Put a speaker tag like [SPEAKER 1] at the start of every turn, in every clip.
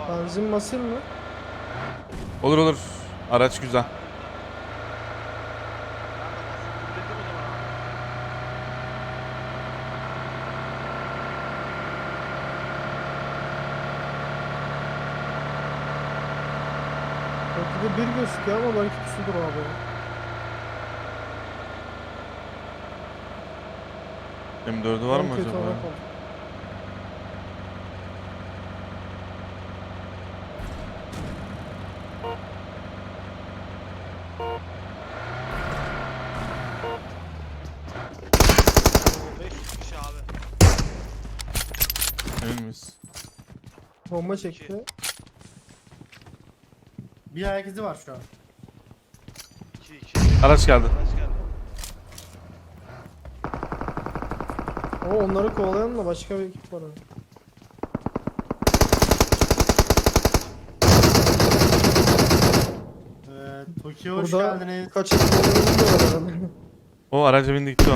[SPEAKER 1] Benzin basayım mı?
[SPEAKER 2] Olur olur. Araç güzel.
[SPEAKER 1] Belki de bir gözüküyor ama belki pusudur abi.
[SPEAKER 2] M4'ü var
[SPEAKER 1] En
[SPEAKER 2] mı
[SPEAKER 1] kötü
[SPEAKER 2] acaba?
[SPEAKER 1] ona kaldı.
[SPEAKER 3] Oo, 500 kişi abi.
[SPEAKER 2] Emin miyiz?
[SPEAKER 1] Bomba çekti.
[SPEAKER 4] Bir ayak izi var şu an.
[SPEAKER 3] 2-2.
[SPEAKER 2] Araç geldi.
[SPEAKER 3] Araç geldi.
[SPEAKER 1] O onları kovalayan da başka bir ekip var abi.
[SPEAKER 4] Tokyo hoş
[SPEAKER 1] Burada
[SPEAKER 4] geldiniz.
[SPEAKER 1] kaç ekip olduğunu bilmiyorlar herhalde.
[SPEAKER 2] O araca bindi gitti o.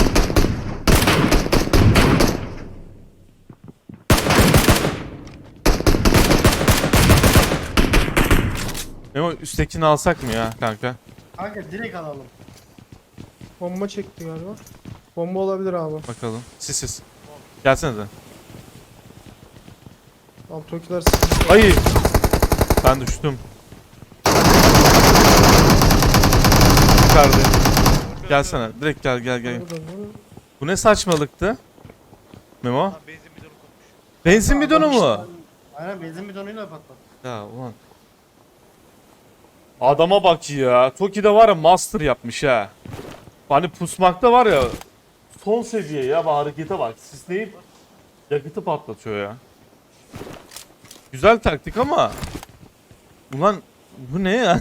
[SPEAKER 2] Memo üsttekini alsak mı ya kanka?
[SPEAKER 4] Kanka direkt alalım.
[SPEAKER 1] Bomba çekti galiba. Bomba olabilir abi.
[SPEAKER 2] Bakalım. Siz. Gelsene de.
[SPEAKER 1] Abi Tokiler sıkıntı.
[SPEAKER 2] Ay! Ben düştüm. Yukarıda. Gelsene. Direkt gel. Bu ne saçmalıktı? Memo?
[SPEAKER 3] Lan benzin bidonu kopmuş.
[SPEAKER 2] Benzin bidonu mu?
[SPEAKER 4] Aynen benzin bidonuyla patlat.
[SPEAKER 2] Ya ulan. Adama bak ya. Toki'de var ya master yapmış ha. Hani pusmakta var ya. Son seviye ya. Bu harekete bak. Sisleyip yakıtı patlatıyor ya. Güzel taktik ama. Ulan bu ne ya?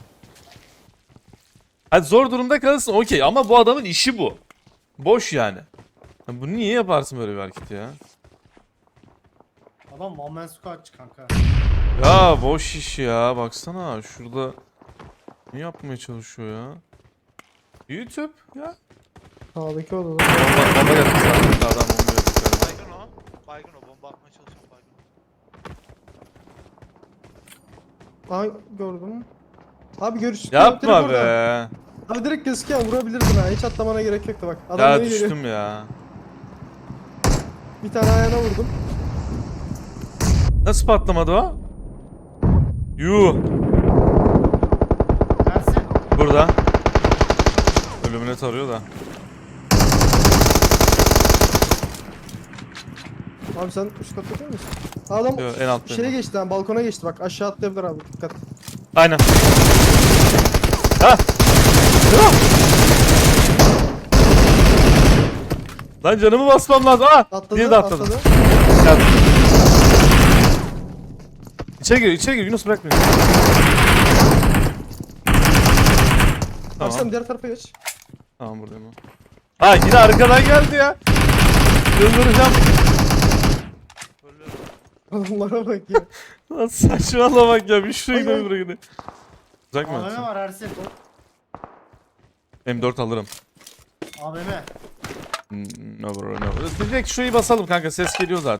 [SPEAKER 2] Hadi zor durumda kalırsın okey ama bu adamın işi bu. Boş yani. Ya bunu niye yaparsın böyle bir hareket ya?
[SPEAKER 4] Adam one man squad kanka.
[SPEAKER 2] Ya boş iş ya. Baksana şurada ne yapmaya çalışıyor ya? YouTube ya.
[SPEAKER 1] Sağdaki odada.
[SPEAKER 2] Bomba yaptı zaten. Adam bomba yaptı.
[SPEAKER 3] Baygın o. Baygın o. Bomba atmaya çalışıyorum baygın.
[SPEAKER 1] Aha gördüm. Abi görüş.
[SPEAKER 2] Yapma be.
[SPEAKER 1] Abi direkt gözüküyor vurabilirdin ha. Hiç atlamana gerek yoktu bak. Adam
[SPEAKER 2] Ya
[SPEAKER 1] beni geliyor.
[SPEAKER 2] düştüm ya.
[SPEAKER 1] Bir tane ayağına vurdum.
[SPEAKER 2] Nasıl patlamadı o? Yuh.
[SPEAKER 4] Ersin.
[SPEAKER 2] Burada. Ölümüne tarıyor da.
[SPEAKER 1] Abi sen üst katta değil misin? Adam
[SPEAKER 2] Yo, en alttayım
[SPEAKER 1] şeye
[SPEAKER 2] ben.
[SPEAKER 1] geçti lan balkona geçti bak aşağı atlayabilir abi dikkat.
[SPEAKER 2] Aynen. Ha. Ya. Lan canımı basmam lazım. Aa!
[SPEAKER 1] Atladı
[SPEAKER 2] Bir de atladı.
[SPEAKER 1] atladı.
[SPEAKER 2] Gel. İçeri gir. Yunus bırak beni.
[SPEAKER 1] Abi sen
[SPEAKER 2] Tamam.
[SPEAKER 1] diğer tarafa geç.
[SPEAKER 2] Tamam buradayım. Ha yine arkadan geldi ya. Yıldıracağım.
[SPEAKER 3] Ölüyorum.
[SPEAKER 1] Adamlara bak ya.
[SPEAKER 2] Lan saçmalamak ya. Bir şuraya
[SPEAKER 1] Ay,
[SPEAKER 2] gidelim
[SPEAKER 1] ay.
[SPEAKER 2] buraya gidelim. Uzak mı
[SPEAKER 4] AVM
[SPEAKER 2] atayım?
[SPEAKER 4] var Ersin.
[SPEAKER 2] M4 alırım.
[SPEAKER 4] AVM.
[SPEAKER 2] No bro no. Direkt şurayı basalım kanka ses geliyor zaten.